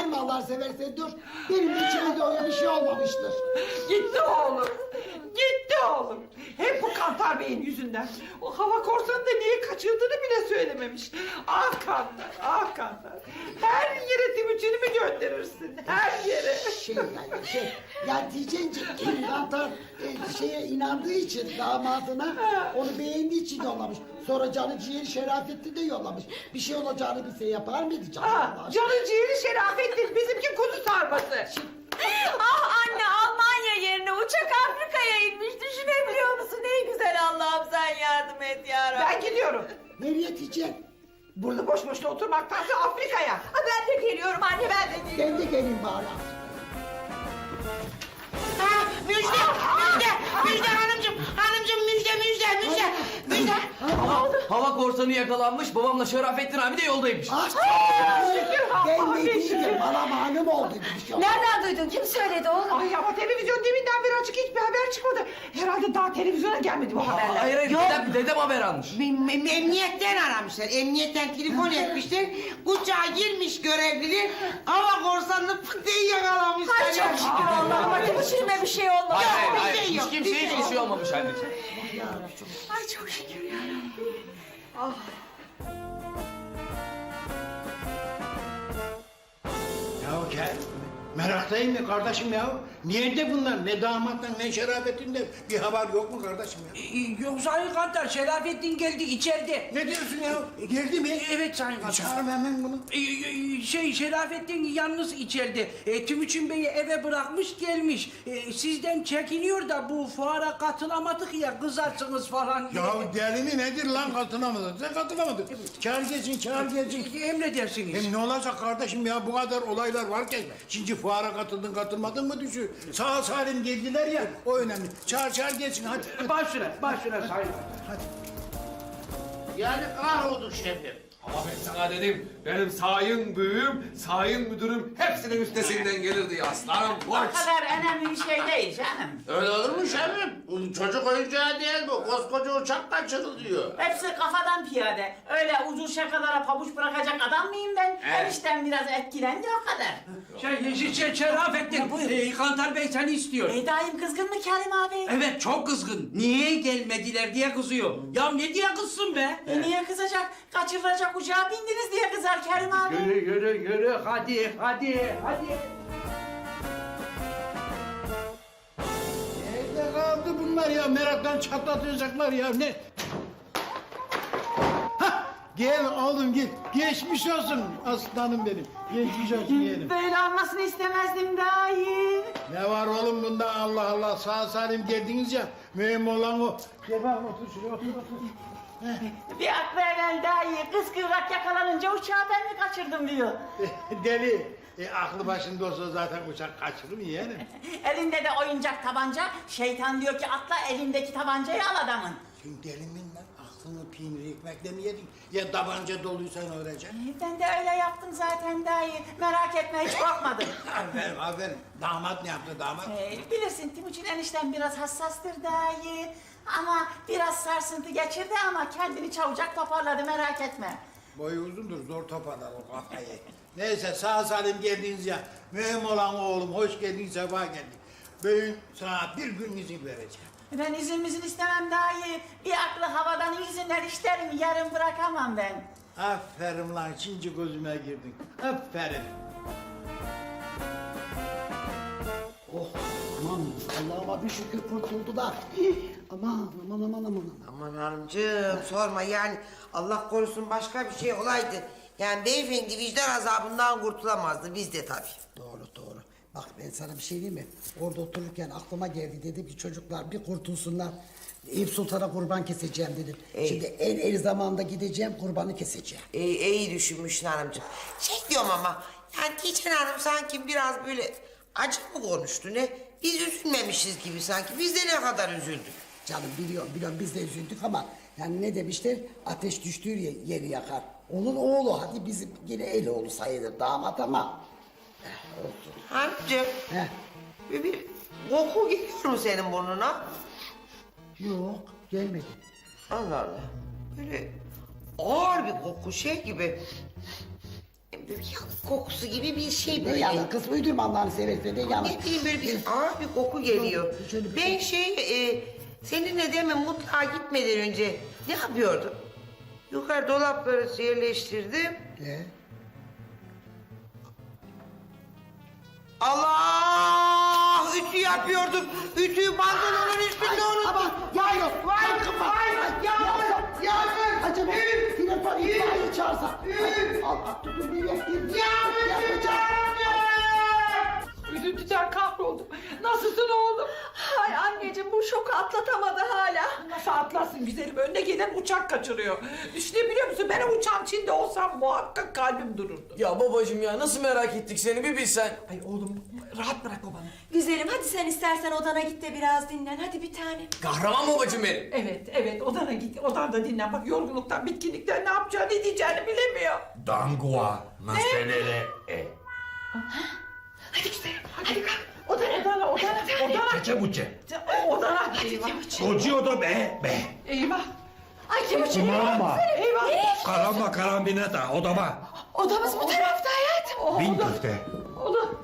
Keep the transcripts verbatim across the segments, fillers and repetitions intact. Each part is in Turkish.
bağırma Allah seversen dur. Benim içimde öyle bir şey olmamıştır. Gitti oğlum. Gitti oğlum. Hep bu Kantar Bey'in yüzünden. O hava korsanı da niye kaçırdığını bile söylememiş. Ah Kantar, ah Kantar. Her yere Timuçin'i mi gönderirsin? Her yere. Şey yani şey, ya diyeceksin ki Kantar e, şeye inandığı için damadına onu beğendiği için yollamış. Sonra canı ciğeri Şerafettin de yollamış. Bir şey olacağını bilse yapar mıydı canım? Ah, canı ciğeri Şerafettin, bizimki kuzu sarması. Ah anne, Almanya yerine uçak Afrika'ya inmiş. Düşünebiliyor musun? Ne güzel, Allah'ım sen yardım et ya Rabbi. Ben gidiyorum. Nereye diyeceksin? Burada boş boşuna oturmaktansa Afrika'ya. Ha, ben de geliyorum anne, ben de geliyorum. Ben de geleyim bari. Ha, müjde, müjde, müjde hanımcığım, hanımcığım müjde, müjde, müjde, müjde. Hava, hava korsanı yakalanmış, babamla Şerafettin abi de yoldaymış. Ah, ben de değildim, bana malum oldu bir şey. Nereden duydun? Kim söyledi oğlum? Ay ama televizyon deminden beri açık, hiçbir haber çıkmadı. Herhalde daha televizyona gelmedi bu haberler. Hayır hayır, Yok. dedem, dedem haber almış. Em- em- Emniyetten aramışlar, emniyetten telefon etmişler. Uçağa girmiş görevliler, hava korsanını pıt diye yakalamışlar. Ay çok şükür Allah'ıma, Timuçin'ime bir şey olmadı. Hayır hayır, bir hayır. şey yok, Hiç kimseye bir şey hiçbir şey yok. olmamış anneciğim. Ay çok şükür ya Rabbi. Ya gel. Meraktayım ya kardeşim ya. Nerede bunlar? Ne damattan ne şerafetinden bir haber yok mu kardeşim ya? Ee, Yok Sayın Kantar, Şerafettin geldi içeride. Ne diyorsun ya? Geldi mi? Evet Sayın Kantar. Çağırma hemen bunu. Ee, e, Şey Şerafettin yalnız içeride. E, Timuçin Bey'i eve bırakmış gelmiş. E, sizden çekiniyor da bu fuara katılamadık ya, kızarsınız falan diye. Ya deli mi nedir lan katılamadın? Sen katılamadın. Çağır gelsin, çağır gelsin. E, Emredersiniz. Hem ne olacak kardeşim ya bu kadar olaylar varken şimdi fuara katıldın katılmadın mı düşün. Sağ salim geldiler ya o önemli. Çağır çağır gelsin hadi. Başına, başına Sayın Kantar. Hadi. Yani kahroldu şefim. Ama ben sana dedim, benim sayın büyüğüm, sayın müdürüm hepsinin üstesinden gelirdi ya aslanım. O kadar önemli bir şey değil canım. Öyle olur mu şefim? Çocuk oyuncağı değil bu. Koskoca uçak kaçırılıyor. Hepsi kafadan piyade. Öyle ucuz şakalara pabuç bırakacak adam mıyım ben? Evet. Enişten biraz etkilendi o kadar. Şey, şey, şey Şerafettin, e, Kantar Bey seni istiyor. Ey daim kızgın mı Kerim abi? Evet, çok kızgın. Niye gelmediler diye kızıyor. Ya ne diye kızsın be? E niye kızacak? Kaçırılacak uçağa bindiniz diye kızar Kerim abi. Yürü yürü yürü, hadi hadi hadi. Nerede kaldı bunlar ya? Meraktan çatlatacaklar ya. Ne? Hah! Gel oğlum gel. Geçmiş olsun aslanım benim. Geçmiş olsun yeğenim. Böyle olmasını istemezdim dahi. Ne var oğlum bunda Allah Allah sağ salim geldiniz ya. Mühim olan o. Gel bakalım otur şuraya otur otur. Bir aklı evvel dahi kız kıvrak yakalanınca uçağı ben mi kaçırdım diyor. Deli. E, aklı başında olsa zaten uçak kaçırır mı yeğenim? Elinde de oyuncak tabanca. Şeytan diyor ki atla elindeki tabancayı al adamın. Sen deli misin lan? Aklını peynir ekmekle mi yedin? Ya tabanca doluysan öğreceksin. E, Ben de öyle yaptım zaten dahi. Merak etme hiç korkmadım. Aferin aferin. Damat ne yaptı damat? E, bilirsin Timuçin enişten biraz hassastır dahi. Ama biraz sarsıntı geçirdi ama kendini çabucak toparladı merak etme. Boyu uzundur zor toparlar o kafayı. Neyse sağ salim geldiniz ya. Mühim olan oğlum hoş geldin sefa geldin. Bugün sana bir gün izin vereceğim. Ben izin mizin istemem dahi. Bir aklı havadan izinler isterim yarın bırakamam ben. Aferin lan şimdi gözüme girdin. Aferin. Oh aman Allah'ıma bir şükür kurtuldular. Aman aman aman aman. Aman hanımcığım sorma yani Allah korusun başka bir şey olaydı. Yani beyefendi vicdan azabından kurtulamazdı biz de tabii. Doğru doğru. Bak ben sana bir şey diyeyim mi? Orada otururken aklıma geldi dedim ki çocuklar bir kurtulsunlar. Eyüp Sultan'a kurban keseceğim dedim. Ey. Şimdi en el zamanda gideceğim kurbanı keseceğim. İyi, iyi düşünmüşsün hanımcığım. Şey diyorum ama yani Tiçen Hanım sanki biraz böyle acı mı konuştu ne? Biz üzülmemişiz gibi sanki. Biz de ne kadar üzüldük. Canım biliyorum biliyorum biz de üzüldük ama yani ne demişler ateş düştüğü ye- yeri yakar. Onun oğlu hadi bizim yine el oğlu sayılır damat ama. Eh, olsun. Hanımcığım Heh. bir, bir koku geliyor mu senin burnuna? Yok gelmedi. Allah Allah. Böyle ağır bir koku şey gibi. bir yanık kokusu gibi bir şey Ne böyle. yana kız uydurma Allah'ını seversen ne yana. Ne bileyim böyle bir ağır bir koku geliyor. Şöyle bir- Ben şey e, seninle demin mutfağa gitmeden önce ne yapıyordum? Yukarı dolapları yerleştirdim. Ne? Allah! Ütü yapıyordum. Ütüyü pantolonun üstünde unuttum. Ama yağıyor. Vay, Sakın bak. vay, Ay, yağmur, yağmur. Acaba Üf, telefon üf, itfaiye çağırsa. üf. Al al tutun bir yakayım. Yağmur, Yakacağım. Üzüntüden kahroldum. Nasılsın oğlum? Ay anneciğim bu şoku atlatamadı hala. Nasıl atlarsın güzelim? Önüne gelen uçak kaçırıyor. Düşünebiliyor musun? Ben o uçağın içinde olsam muhakkak kalbim dururdu. Ya babacığım ya nasıl merak ettik seni bir bilsen. Ay oğlum rahat bırak babanı. Güzelim hadi sen istersen odana git de biraz dinlen. Hadi bir tane. Kahraman babacığım benim. Evet, evet odana git. Odanda dinlen. Bak yorgunluktan, bitkinlikten ne yapacağını, ne diyeceğini bilemiyor. Dangua naselele e. Hadi güzelim. Hadi kalk. Odana, odana, odana, odana. Çeçe buçe. Odana. Eyvah. Kocuyor da be be. Eyvah. Ay Timuçin. Kumamba. Eyvah. Karamba karambineta odama. Odamız bu tarafta hayatım. Bin köfte. Oğlum.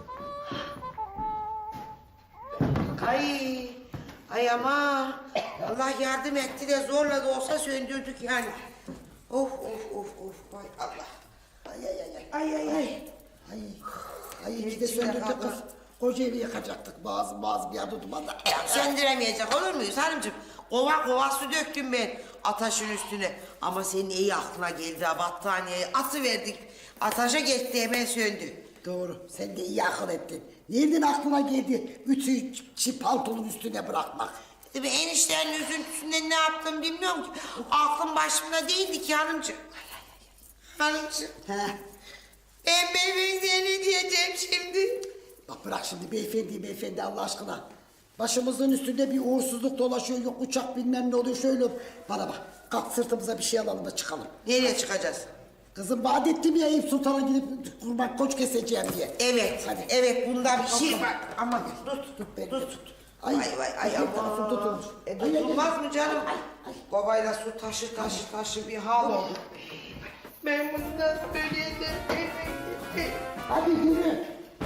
Ay, ay ama Allah yardım etti de zorla da olsa söndürdük yani. Of of of of vay Allah. Ay ay ay ay. Ay ay ay. Ay. Ay iki de söndürdük kız. Koca evi yakacaktık bazı bazı bir adı tutmadan. Ya söndüremeyecek olur muyuz hanımcığım? Kova kova su döktüm ben ataşın üstüne. Ama senin iyi aklına geldi ha battaniyeyi atıverdik. Ataşa geçti hemen söndü. Doğru. Sen de iyi akıl ettin. Nereden aklına geldi ütüyü çi paltonun üstüne bırakmak? Tabii eniştenin üzüntüsünden ne yaptım bilmiyorum ki. Aklım başımda değildi ki hanımcığım. Hanımcığım. He. Ben beyefendiye ne diyeceğim şimdi? Bak bırak şimdi beyefendi beyefendi Allah aşkına. Başımızın üstünde bir uğursuzluk dolaşıyor. Yok uçak bilmem ne oluyor şöyle. Bana bak kalk sırtımıza bir şey alalım da çıkalım. Nereye çıkacağız? Kızım vaat ettim ya Eyüp Sultan'a gidip kurban koç keseceğim diye. Evet, Hadi. evet bunda bir şey var. Ama tut, Tut beni tut. tut. Ay Vay vay ay her tarafım aman. tutulmuş. E, Ay, ay, ay. tutulmaz mı canım? Babayla su taşı taşı taşı bir hal oldu. Ben bundan böyle de Hadi yürü.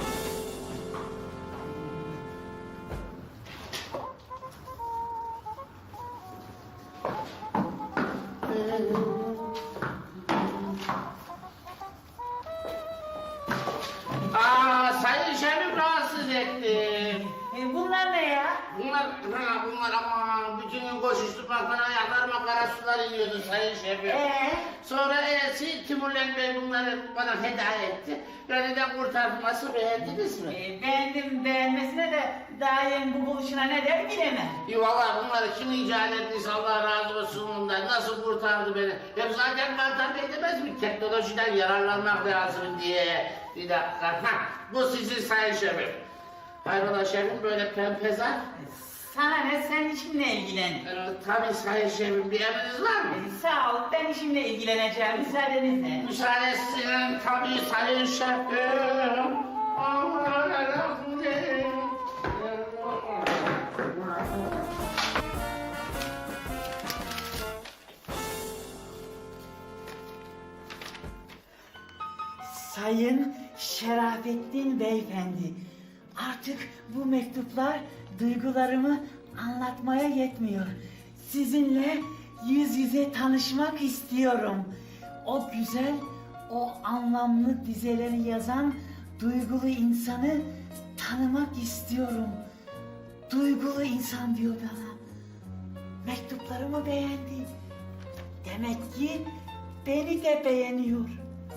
Aa sayın şefim rahatsız ettim. E, bunlar ne ya? Bunlar, ha, bunlar aman bütün gün koşuşturmaktan ayaklarıma kara sular iniyordu sayın şefim. Ee? Sonra e, Timurlen Bey bunları bana feda etti. Beni de kurtardı. Nasıl beğendiniz mi? E, beğendim beğenmesine de daha yeni bu buluşuna ne der bilemem. İyi valla bunları kim icat ettiyse Allah razı olsun bundan. Nasıl kurtardı beni? Hep zaten Mantar Bey demez mi? Teknolojiden yararlanmak lazım diye. Bir dakika. Ha, bu sizin sayın şefim. Hayrola şefim böyle pempezar? Sana ne sen işimle ilgilen. Ee, tabii sayın şefim bir emriniz var mı? E, sağ ol ben işimle ilgileneceğim müsaadenizle. Müsaadesinin tabii sayın şefim. Aman Allah'ım. Sayın Şerafettin Beyefendi, artık bu mektuplar duygularımı anlatmaya yetmiyor. Sizinle yüz yüze tanışmak istiyorum. O güzel, o anlamlı dizeleri yazan duygulu insanı tanımak istiyorum. Duygulu insan diyor bana. Mektuplarımı beğendi. Demek ki beni de beğeniyor.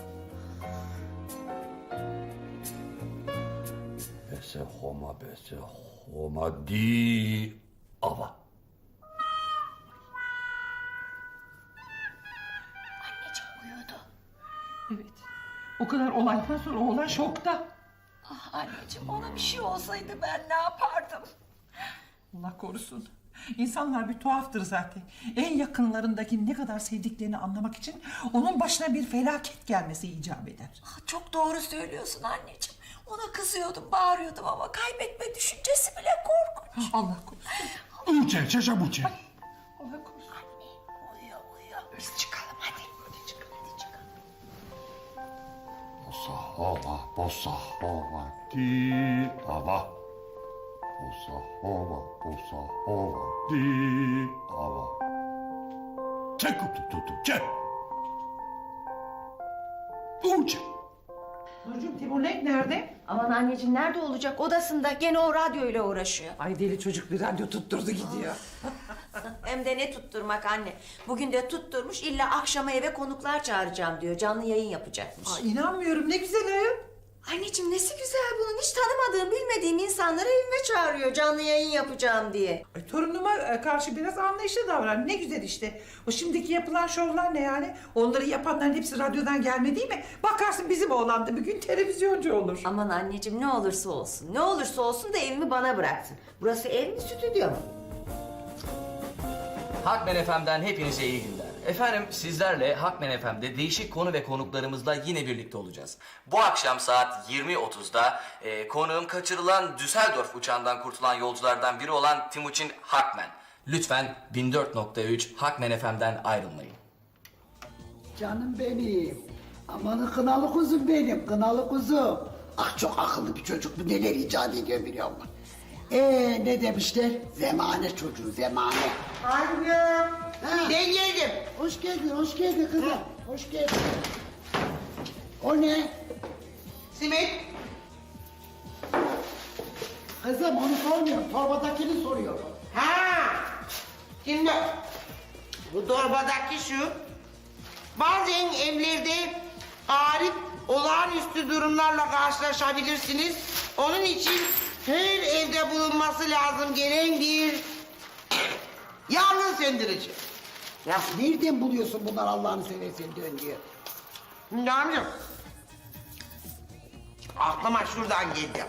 Bese homa bese homa di ava. Anneciğim uyudu. Evet. O kadar olaydan sonra oğlan şokta. Ah anneciğim ona bir şey olsaydı ben ne yapardım? Allah korusun. İnsanlar bir tuhaftır zaten. En yakınlarındaki ne kadar sevdiklerini anlamak için onun başına bir felaket gelmesi icap eder. Ah, çok doğru söylüyorsun anneciğim. Ona kızıyordum, bağırıyordum ama kaybetme düşüncesi bile korkunç. Allah korusun. Uçe çeçe buçe. Allah korusun. Uyuyor uyuyor. Biz çıkalım hadi. Hadi çıkalım hadi çıkalım. Musa bossa hova di ava. Bossa hova, bossa hova di ava. Çek kutu tutu çek. Uç. Nurcuğum Timur ne? Nerede? Aman anneciğim nerede olacak? Odasında gene o radyoyla uğraşıyor. Ay deli çocuk bir radyo tutturdu gidiyor. Hem de ne tutturmak anne. Bugün de tutturmuş illa akşama eve konuklar çağıracağım diyor. Canlı yayın yapacakmış. Ay inanmıyorum ne güzel ayol. Anneciğim nesi güzel bunun. Hiç tanımadığım, bilmediğim insanları evime çağırıyor canlı yayın yapacağım diye. Ay, torunuma e, karşı biraz anlayışlı davran. Ne güzel işte. O şimdiki yapılan şovlar ne yani? Onları yapanların hepsi radyodan gelme değil mi? Bakarsın bizim oğlan da bir gün televizyoncu olur. Aman anneciğim ne olursa olsun. Ne olursa olsun da evimi bana bıraksın. Burası ev mi stüdyo mu? Hakmen F M'den hepinize iyi günler. Efendim sizlerle Hakmen F M'de değişik konu ve konuklarımızla yine birlikte olacağız. Bu akşam saat yirmi otuzda e, konuğum kaçırılan Düsseldorf uçağından kurtulan yolculardan biri olan Timuçin Hakmen. Lütfen bin dört nokta üç Hakmen F M'den ayrılmayın. Canım benim. Amanı kınalı kuzum benim, kınalı kuzum. Ah çok akıllı bir çocuk, bu neler icat ediyor biliyor musun? Ee ne demişler? Zemane çocuğu, zemane. Anne. Ha. Ben geldim. Hoş geldin, hoş geldin kızım. Hoş geldin. O ne? Simit. Kızım onu sormuyorum, torbadakini soruyorum. Ha. Şimdi bu torbadaki şu. Bazen evlerde garip, olağanüstü durumlarla karşılaşabilirsiniz. Onun için her evde bulunması lazım gelen bir yangın söndürücü. Ya nereden buluyorsun bunlar Allah'ını seversen dön diyor. Şimdi amcam. Aklıma şuradan geldi.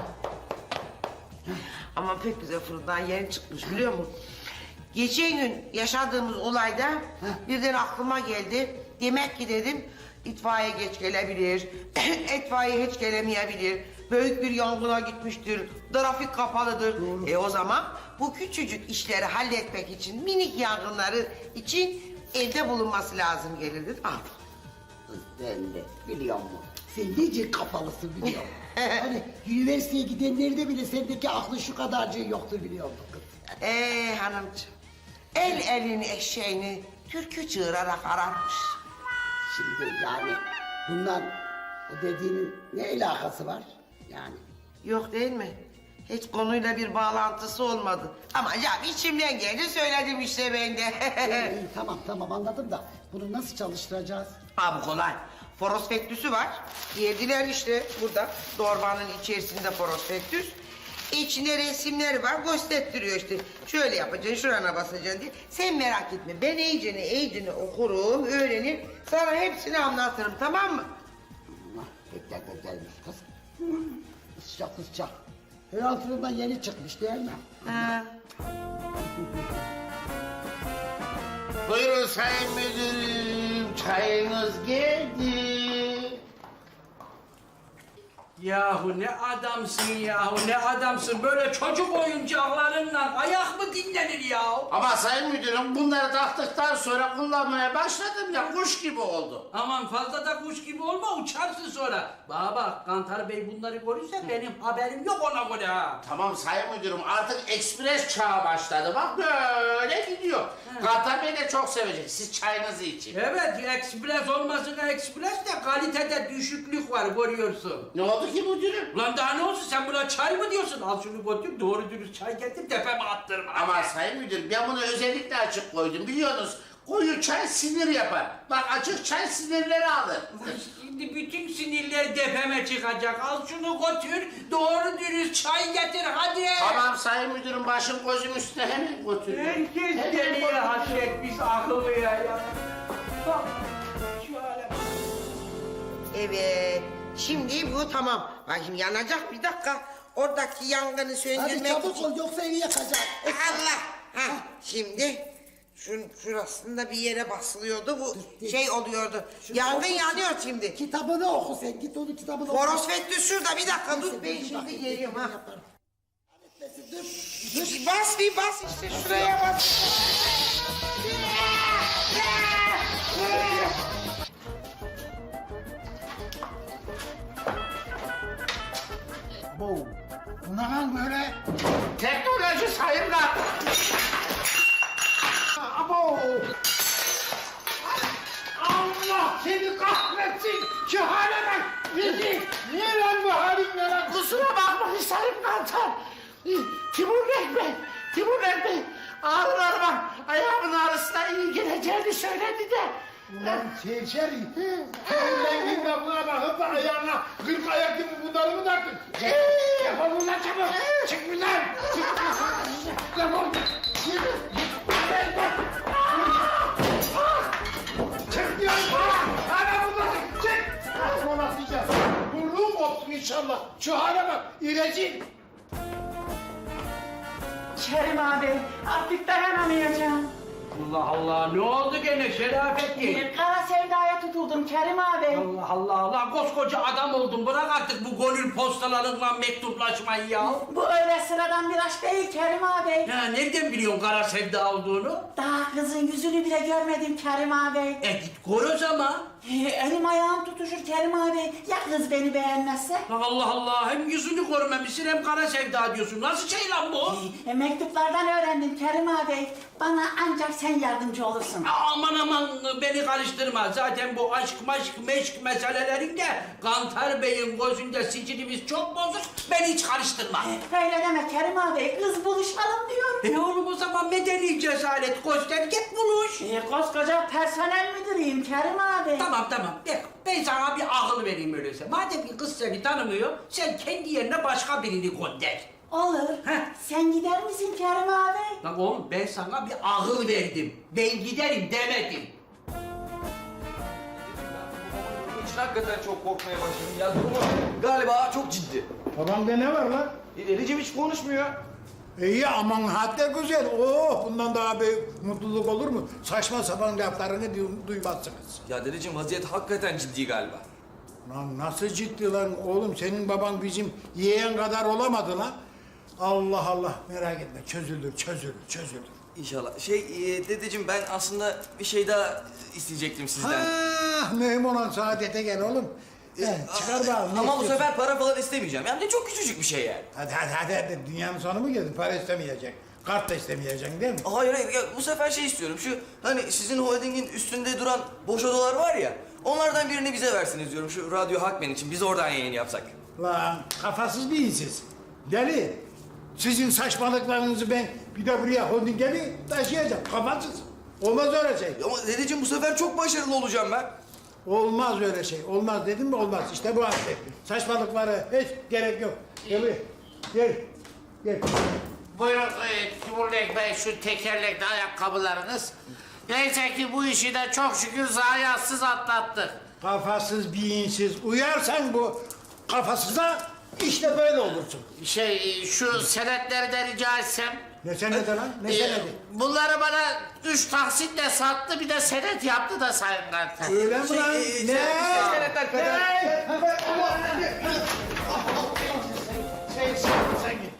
Ama pek güzel fırından yeni çıkmış biliyor musun? Geçen gün yaşadığımız olayda birden aklıma geldi. Demek ki dedim itfaiye geç gelebilir, itfaiye hiç gelemeyebilir. Büyük bir yangına gitmiştir, trafik kapalıdır. E o zaman bu küçücük işleri halletmek için, minik yangınları için evde bulunması lazım gelirdi. Al. Kız ben de biliyor musun? Sen nece kafalısın biliyor musun? Hani üniversiteye gidenlerde bile sendeki aklın şu kadarcığı yoktur biliyor musun kız? Ee hanımcığım, el elin eşeğini türkü çığırarak ararmış. Şimdi yani bundan o dediğinin ne alakası var yani? Yok değil mi? Hiç konuyla bir bağlantısı olmadı. Ama ya içimden geldi söyledim işte ben de. İyi, iyi, tamam tamam anladım da bunu nasıl çalıştıracağız? Ha bu kolay. Fosfektüsü var. Yediler işte burada. Dorbanın içerisinde fosfektüs. İçinde resimleri var. Gösteriyor işte. Şöyle yapacaksın, şurana basacaksın diye. Sen merak etme. Ben iyicene iyicene okurum, öğrenir. Sana hepsini anlatırım tamam mı? Allah bekler beklermiş kız. Sıcak sıcak. Her altından yeni çıkmış değil mi? Ha. Buyurun sayın müdürüm, çayınız geldi. Yahu ne adamsın yahu ne adamsın böyle çocuk oyuncaklarından ayak mı dinlenir yahu? Ama sayın müdürüm bunları taktıktan sonra kullanmaya başladım ya kuş gibi oldu. Aman fazla da kuş gibi olma uçarsın sonra. Bana bak Kantar Bey bunları görürse benim haberim yok ona göre ha. Tamam sayın müdürüm artık ekspres çağı başladı bak böyle gidiyor. Kantar Bey de çok sevecek siz çayınızı için. Evet ekspres olmasına ekspres de kalitede düşüklük var görüyorsun. Ne oldu ki müdürüm? Ulan daha ne olsun sen buna çay mı diyorsun? Al şunu götür doğru dürüst çay getir tepeme attırma. Ama sayın müdürüm ben bunu özellikle açık koydum biliyorsunuz. Koyu çay sinir yapar. Bak açık çay sinirleri alır. Şimdi bütün sinirler tepeme çıkacak. Al şunu götür doğru dürüst çay getir hadi. Tamam sayın müdürüm başım gözüm üstüne hemen götürüyorum. Herkes deliye hasretmiş akıllıya ya. Bak şu hale bak. Evet. Şimdi bu tamam. Bak şimdi yanacak bir dakika. Oradaki yangını Hadi söndürmek çabuk için. ol yoksa evi yakacak. Allah! Ha, şimdi şun, şurasında bir yere basılıyordu bu şey oluyordu. Yangın yanıyor şimdi. Kitabını oku sen git onu kitabını oku. Fosfektüs şurada bir dakika dur Neyse, ben bir şimdi bakayım, geliyorum bir ha. yaparım. Dur, Bir bas bir bas işte şuraya bas. Bu ne lan böyle? Teknoloji sayın kantar. Abo! Allah seni kahretsin! Şu hale bak! Rezil! Niye lan bu halin ne lan? Kusura bakma sayın kantar. Timur Bey, Timur Bey ağrılarıma ayağımın ağrısına iyi geleceğini söyledi de. Ulan serseri! Senin rengin kapına bakıp da ayağına kırk ayak gibi bunları mı taktın? Defol ulan çabuk! Çık buradan! Çık! Defol! Çık diyorum! Ana buradan! Çık! Sonra diyeceğim. Burnuğum koptu inşallah. Şu hale bak! İrecil! Kerim abi artık dayanamayacağım. Allah Allah ne oldu gene Şerafettin? Bir kara sevdaya tutuldum Kerim abi. Allah Allah Allah koskoca adam oldun bırak artık bu gönül postalarınla mektuplaşmayı ya. Bu öyle sıradan bir aşk değil Kerim abi. Ya nereden biliyorsun kara sevda olduğunu? Daha kızın yüzünü bile görmedim Kerim abi. E git gör o zaman. Ee, elim ayağım tutuşur Kerim abi. Ya kız beni beğenmezse? Allah Allah hem yüzünü görmemişsin hem kara sevda diyorsun. Nasıl şey lan bu? E, mektuplardan öğrendim Kerim abi. Bana ancak sen yardımcı olursun. Aman aman beni karıştırma. Zaten bu aşk maşk meşk meselelerinde Kantar Bey'in gözünde sicilimiz çok bozuk. Beni hiç karıştırma. Öyle deme Kerim abi. Kız buluşalım diyor. E oğlum o zaman medeni cesaret göster git buluş. E, koskoca personel müdürüyüm Kerim abi. Tamam tamam ben, ben sana bir akıl vereyim öyleyse. Madem ki kız seni tanımıyor sen kendi yerine başka birini gönder. Olur. Heh. Sen gider misin Kerim abi? Lan oğlum ben sana bir akıl verdim. Ben giderim demedim. Hiç hakikaten çok korkmaya başladım ya. Durumu galiba çok ciddi. Babamda ne var lan? E, Recep hiç konuşmuyor. İyi aman hatta güzel. Oh bundan daha büyük mutluluk olur mu? Saçma sapan laflarını duy- duymazsınız. Ya dedeciğim vaziyet hakikaten ciddi galiba. Lan nasıl ciddi lan oğlum senin baban bizim yeğen kadar olamadı lan. Allah Allah merak etme çözülür çözülür çözülür. İnşallah. Şey e, dedeciğim ben aslında bir şey daha isteyecektim sizden. Ha mühim olan saadete gel oğlum. Gel, çıkar bakalım. ne Ama bu istiyorsun? sefer para falan istemeyeceğim. Yani de çok küçücük bir şey yani. Hadi hadi hadi, hadi. Dünyanın sonu mu geldi? Para istemeyecek. Kart da istemeyeceksin değil mi? Hayır hayır ya, bu sefer şey istiyorum. Şu hani sizin holdingin üstünde duran boş odalar var ya. Onlardan birini bize versiniz diyorum. Şu Radyo Hakmen için. Biz oradan yayın yapsak. Lan kafasız değil siz. Deli. Sizin saçmalıklarınızı ben bir de buraya holdinge mi taşıyacağım? Kafasız. Olmaz öyle şey. Ama dedeciğim bu sefer çok başarılı olacağım ben. Olmaz öyle şey. Olmaz dedim mi olmaz. İşte bu hadise. Saçmalıklara hiç gerek yok. Gel buraya. Gel. Gel. Buyurun e, Timur Bey şu tekerlekli ayakkabılarınız. Neyse ki bu işi de çok şükür zayiatsız atlattık. Kafasız, beyinsiz. Uyarsan bu kafasıza işte böyle olursun. Şey e, şu senetleri de rica etsem. Ne senedi lan? Ne E, senedi? bunları bana üç taksitle sattı bir de senet yaptı da Sayın Kantar. Öyle mi lan? e, Ne? sen- senetler kadar. Ne? Sen, sen, sen git.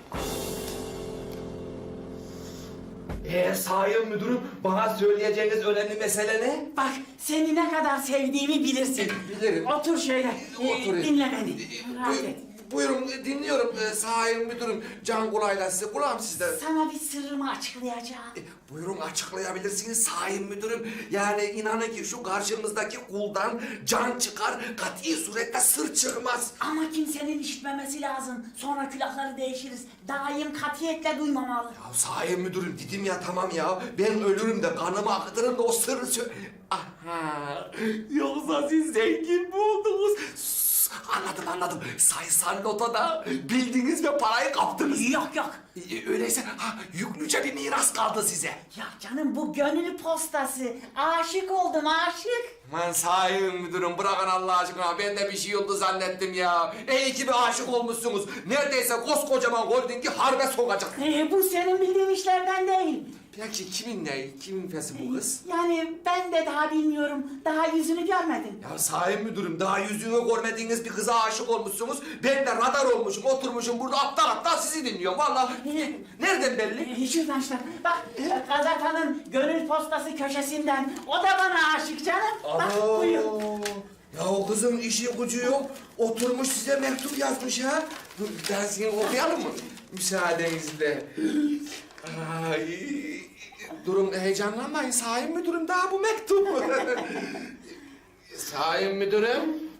Ee, sayın müdürüm bana söyleyeceğiniz önemli mesele ne? Bak seni ne kadar sevdiğimi bilirsin. Bilirim. Otur şöyle. Ee, Oturayım. dinle beni. Rahat et. Buyurun dinliyorum ee, sayın müdürüm. Can kulağıyla size kulağım sizde. Sana bir sırrımı açıklayacağım. E, Buyurun açıklayabilirsiniz sayın müdürüm. Yani inanın ki şu karşımızdaki kuldan can çıkar, kati surette sır çıkmaz. Ama kimsenin işitmemesi lazım. Sonra külahları değişiriz. Daim katiyetle duymamalı. Ya sayın müdürüm dedim ya tamam ya. Ben ölürüm de kanımı akıtırım da o sırrı sö... Aha! Yoksa siz zengin mi oldunuz? Sus, Anladım anladım. Sayısal notada bildiniz ve parayı kaptınız. Yok yok. E, Öyleyse ha, yüklüce bir miras kaldı size. Ya canım bu gönül postası. Aşık oldum aşık. Aman sayın müdürüm bırakın Allah aşkına ben de bir şey oldu zannettim ya. İyi ki bir aşık olmuşsunuz. Neredeyse koskocaman holdingi harbe sokacak. Ee, bu senin bildiğin işlerden değil. Peki kimin ne? Kimin fesi bu kız? Yani ben de daha bilmiyorum. Daha yüzünü görmedim. Ya sayın müdürüm daha yüzünü görmediğiniz bir kıza aşık olmuşsunuz. Ben de radar olmuşum oturmuşum burada aptal aptal sizi dinliyorum vallahi. Nereden belli? Ee, şuradan şuradan. Bak gazetenin gönül postası köşesinden. O da bana aşık canım. Bak buyur. Ya o kızın işi gücü yok. Oturmuş size mektup yazmış ha. Dur ben seni okuyalım mı? Müsaadenizle. Ay, durun heyecanlanmayın. Sayın müdürüm daha bu mektup. Sayın müdürüm.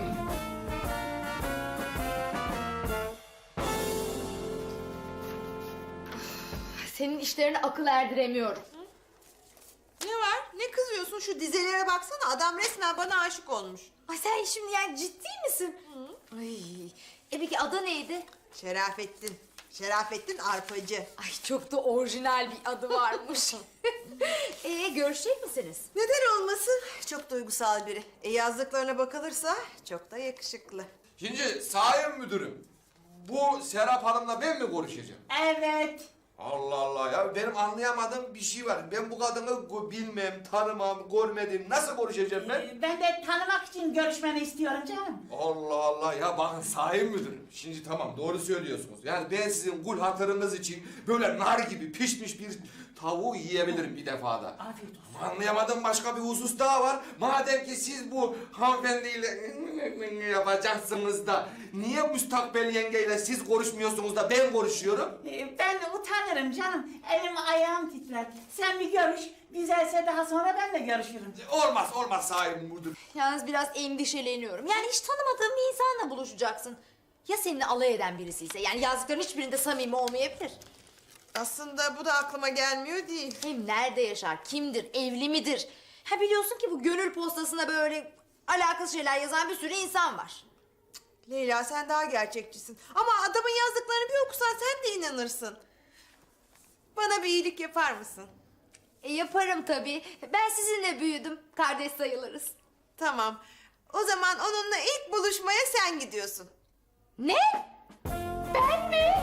Senin işlerine akıl erdiremiyorum. Ne var? Ne kızıyorsun? Şu dizelere baksana. Adam resmen bana aşık olmuş. Ay sen şimdi yani ciddi misin? Ay, e peki adı neydi? Şerafettin. Şerafettin Arpacı. Ay çok da orijinal bir adı varmış. Ee görüşecek misiniz? Neden olmasın? Çok duygusal biri. E yazdıklarına bakılırsa çok da yakışıklı. Şimdi sayın müdürüm. Bu Serap Hanım'la ben mi konuşacağım? Evet. Allah Allah ya benim anlayamadığım bir şey var. Ben bu kadını go- bilmem, tanımam, görmedim. Nasıl konuşacağım ben? Ee, Ben de tanımak için görüşmeni istiyorum canım. Allah Allah ya bakın sayın müdürüm. Şimdi tamam doğru söylüyorsunuz. Yani ben sizin kul hatırınız için böyle nar gibi pişmiş bir tavuğu yiyebilirim bir defada. Afiyet olsun. Ama anlayamadığım başka bir husus daha var. Madem ki siz bu hanımefendiyle yapacaksınız da niye müstakbel yengeyle siz konuşmuyorsunuz da ben konuşuyorum? Ee, Ben de utanırım canım. Elim ayağım titrer. Sen bir görüş. Güzelse daha sonra ben de görüşürüm. Olmaz olmaz sayın müdür. Yalnız biraz endişeleniyorum. Yani hiç tanımadığım bir insanla buluşacaksın. Ya seninle alay eden birisi ise? Yani yazdıkların hiçbirinde samimi olmayabilir. Aslında bu da aklıma gelmiyor değil. Hem nerede yaşar, kimdir, evli midir? Ha biliyorsun ki bu gönül postasına böyle alakasız şeyler yazan bir sürü insan var. Leyla sen daha gerçekçisin. Ama adamın yazdıklarını bir okusan sen de inanırsın. Bana bir iyilik yapar mısın? E yaparım tabii. Ben sizinle büyüdüm. Kardeş sayılırız. Tamam. O zaman onunla ilk buluşmaya sen gidiyorsun. Ne? Ben mi?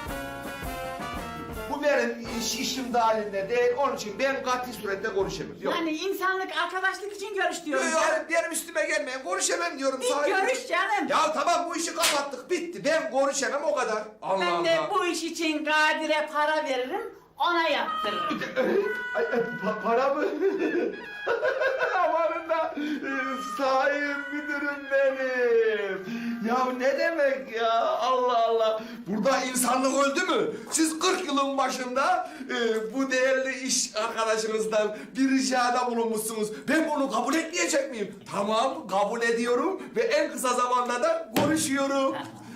Bu benim iş, işim dahilinde değil. Onun için ben katı surette konuşamam. Yok. Yani insanlık, arkadaşlık için görüş diyorum. Yok, yok, benim üstüme gelmeyin. Konuşamam diyorum. Bir sayın görüş müdür. canım. Ya tamam bu işi kapattık. Bitti. Ben konuşamam o kadar. Allah Ben de Allah. bu iş için Kadir'e para veririm, ona yaptırırım. Ay, ay, pa- para mı? Amanın da sayın müdürüm benim. Ya ne demek ya Allah Allah. Burada insanlık öldü mü? Siz kırk yılın başında e, bu değerli iş arkadaşınızdan bir ricada bulunmuşsunuz. Ben bunu kabul etmeyecek miyim? Tamam kabul ediyorum ve en kısa zamanda da konuşuyorum.